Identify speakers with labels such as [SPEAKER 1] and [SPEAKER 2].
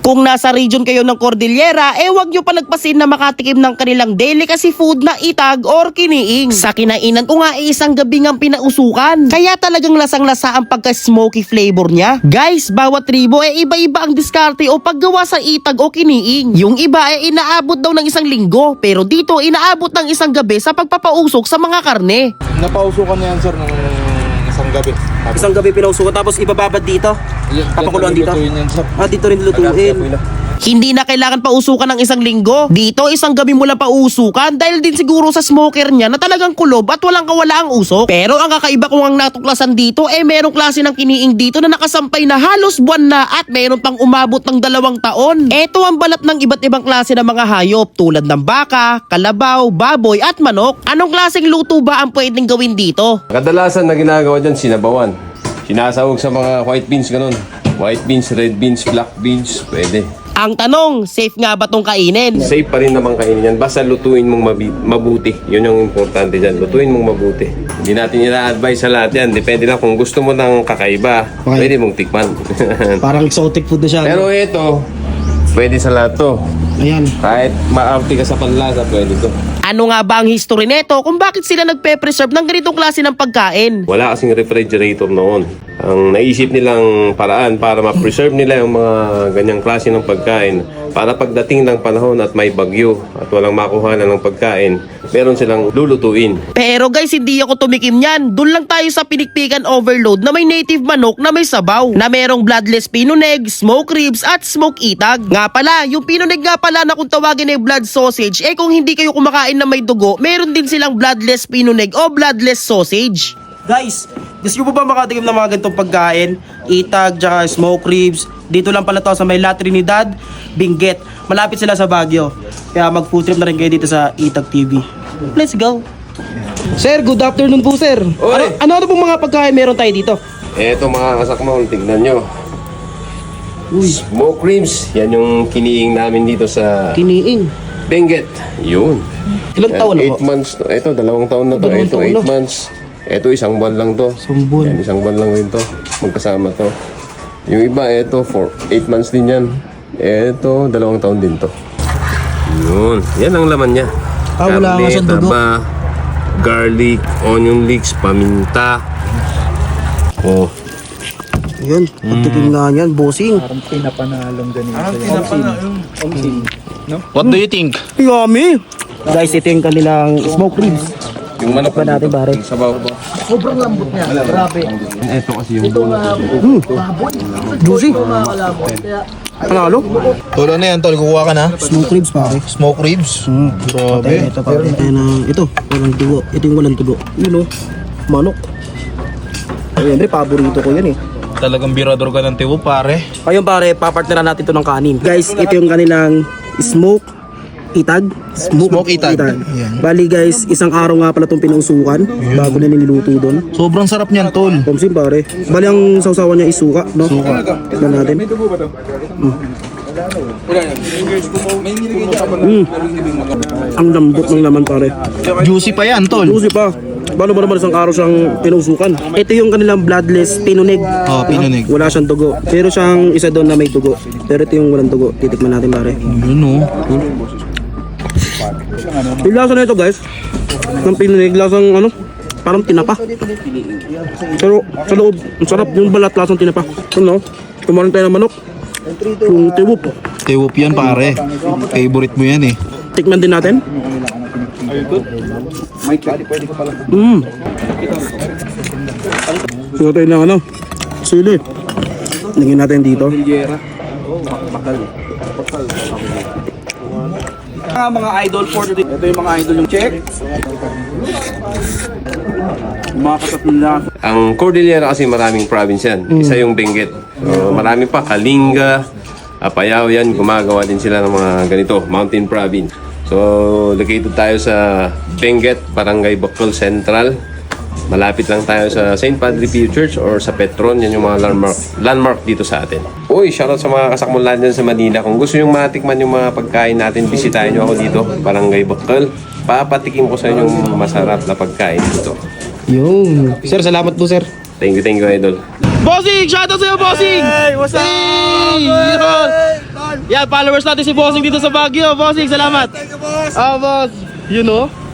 [SPEAKER 1] Kung nasa region kayo ng Cordillera, wag nyo pa nagpasin na makatikim ng kanilang delicacy food na itag or kiniing. Sa kinainan ko nga isang gabi ngang pinausukan. Kaya talagang lasang-lasa ang pagka-smoky flavor niya. Guys, bawat tribo iba-iba ang diskarte o paggawa sa itag o kiniing. Yung iba inaabot daw ng isang linggo, pero dito inaabot ng isang gabi sa pagpapausok sa mga karne.
[SPEAKER 2] Napausukan niya yan sir ng isang gabi.
[SPEAKER 1] Isang gabi pinausukan tapos ibababad dito? Papakuluan dito? Dito rin lutuin. Hindi na kailangan pausukan ng isang linggo. Dito isang gabi mo lang pausukan dahil din siguro sa smoker niya na talagang kulob at walang kawalaang usok. Pero ang kakaiba kong ang natuklasan dito merong klase ng kiniing dito na nakasampay na halos buwan na at meron pang umabot ng 2 taon. Ito ang balat ng iba't ibang klase ng mga hayop tulad ng baka, kalabaw, baboy at manok. Anong klaseng luto ba ang pwedeng gawin dito?
[SPEAKER 3] Kadalasan na ginagawa dyan, sinabawan. Sinasawag sa mga white beans, ganun. White beans, red beans, black beans, pwede.
[SPEAKER 1] Ang tanong, safe nga ba tong kainin?
[SPEAKER 3] Safe pa rin naman kainin yan. Basta lutuin mong mabuti. Yun yung importante dyan. Lutuin mong mabuti. Hindi natin ina-advise sa lahat yan. Depende lang kung gusto mo ng kakaiba.
[SPEAKER 4] Okay.
[SPEAKER 3] Pwede mong tikman.
[SPEAKER 4] Parang exotic food na siya.
[SPEAKER 3] Pero ito, pwede sa lahat to.
[SPEAKER 4] Ayan.
[SPEAKER 3] Kahit maarte ka sa panlasa, pwede to.
[SPEAKER 1] Ano nga ba ang history nito kung bakit sila nagpe-preserve ng ganitong klase ng pagkain?
[SPEAKER 3] Wala kasing refrigerator noon. Ang naisip nilang paraan para ma-preserve nila yung mga ganyang klase ng pagkain para pagdating ng panahon at may bagyo at walang makuhanan ng pagkain, meron silang lulutuin.
[SPEAKER 1] Pero guys, hindi ako tumikim yan. Doon lang tayo sa pinikpikan overload na may native manok na may sabaw, na merong bloodless pinuneg, smoke ribs at smoke itag. Nga pala, yung pinuneg nga pala na kung tawagin ay blood sausage, kung hindi kayo kumakain na may dugo, meron din silang bloodless pinuneg o bloodless sausage. Guys, gusto nyo po ba makatikim ng mga ganitong pagkain? Itag, tsaka smoke ribs. Dito lang pala to sa may La Trinidad, Benguet. Malapit sila sa Baguio. Kaya mag-food trip na rin kayo dito sa Itag TV. Let's go! Sir, good afternoon po sir. Ano pong mga pagkain meron tayo dito?
[SPEAKER 3] Eto mga kasakmol, tignan nyo. Smoke ribs, yan yung kiniing namin dito sa
[SPEAKER 1] Kiniing.
[SPEAKER 3] Benguet. Yun.
[SPEAKER 1] Ilang taon na
[SPEAKER 3] 8
[SPEAKER 1] po?
[SPEAKER 3] months to. Ito, 2 taon na to. Ito, 8 months. Ito, 1 buwan lang to.
[SPEAKER 1] 1 buwan.
[SPEAKER 3] Yan, 1 buwan lang rin to. Magkasama to. Yung iba, ito, 8 months din yan. Ito, 2 taon din to. Yun. Yan ang laman niya.
[SPEAKER 4] Wala nga siyang dugo.
[SPEAKER 3] taba, garlic, onion leeks, paminta. Oh.
[SPEAKER 4] Ayan. Pagtikim nga yan, bossing.
[SPEAKER 2] Parang pinapanalong ganito.
[SPEAKER 5] What do you think?
[SPEAKER 4] Yummy! Guys, ito yung kanilang smoke ribs.
[SPEAKER 3] Yung manok
[SPEAKER 4] Pa natin pare.
[SPEAKER 3] yung sabaw.
[SPEAKER 2] Sobrang lambot niya. Grabe.
[SPEAKER 3] Ito kasi yung
[SPEAKER 4] Juicy. Panalo?
[SPEAKER 5] Tolo na yan, tol. Kukuha ka na.
[SPEAKER 4] Smoke ribs pare.
[SPEAKER 5] Smoke ribs.
[SPEAKER 4] Grabe. Ito pare. Ito, walang tugo. Ito yung walang tugo. Yun o. Manok. Ayun, paborito ko yan eh.
[SPEAKER 5] Talagang birador ka ng tiwo, pare.
[SPEAKER 4] Ayun pare, papartneran natin ito ng kanin. Guys, ito yung kanilang smoke itag.
[SPEAKER 5] Smoke itag. Yan.
[SPEAKER 4] Bali guys, isang araw nga pala itong pinausukan bago na nililuto doon.
[SPEAKER 5] Sobrang sarap niyan, tol.
[SPEAKER 4] Komsim pare. Bali ang sausawan niya is suka, no? Suka. Tignan natin. Ang lambot ng laman pare.
[SPEAKER 5] Juicy pa yan, tol.
[SPEAKER 4] Juicy pa. Paano ba naman isang araw siyang pinusukan? Ito yung kanilang bloodless pinuneg.
[SPEAKER 5] Oh, pinunig.
[SPEAKER 4] Wala siyang dugo. Pero siyang isa doon na may dugo. Pero ito yung walang dugo. Titikman natin pare.
[SPEAKER 5] Yun, oh.
[SPEAKER 4] Yung lasa na ito guys, ng pinuneg, lasang ano, parang tinapa. Pero sa loob, ang sarap yung balat, lasang tinapa. Ano, kumain tayo ng manok. Yung tiwup.
[SPEAKER 5] Tiwop yan, pare. Favorite mo yan, eh.
[SPEAKER 4] Tikman din natin. Suot tayo ng ano, sili. Lagyan natin dito. Mga idol for today. Ito yung mga idol yung check. Mga kasatid na.
[SPEAKER 3] Ang Cordillera kasi maraming province yan. Isa yung Benguet. So, marami pa. Kalinga, Apayao yan. Gumagawa din sila ng mga ganito. Mountain Province. So, located tayo sa Benguet, Barangay Bacol Central. Malapit lang tayo sa St. Padre Pio Church or sa Petron. Yan yung mga landmark dito sa atin. Uy, shoutout sa mga kasakmulan dyan sa Manila. Kung gusto nyo matikman yung mga pagkain natin, bisitahin nyo ako dito, Barangay Bacol. Papatikim ko sa inyo yung masarap na pagkain dito.
[SPEAKER 4] Yung. Sir, salamat po sir.
[SPEAKER 3] Thank you, idol.
[SPEAKER 1] Bossing! Shoutout sa'yo, bossing!
[SPEAKER 4] Hey, what's up?
[SPEAKER 1] Hey!
[SPEAKER 4] Yan, followers natin si Bossing dito sa Baguio. Bossing, salamat. Boss. You know?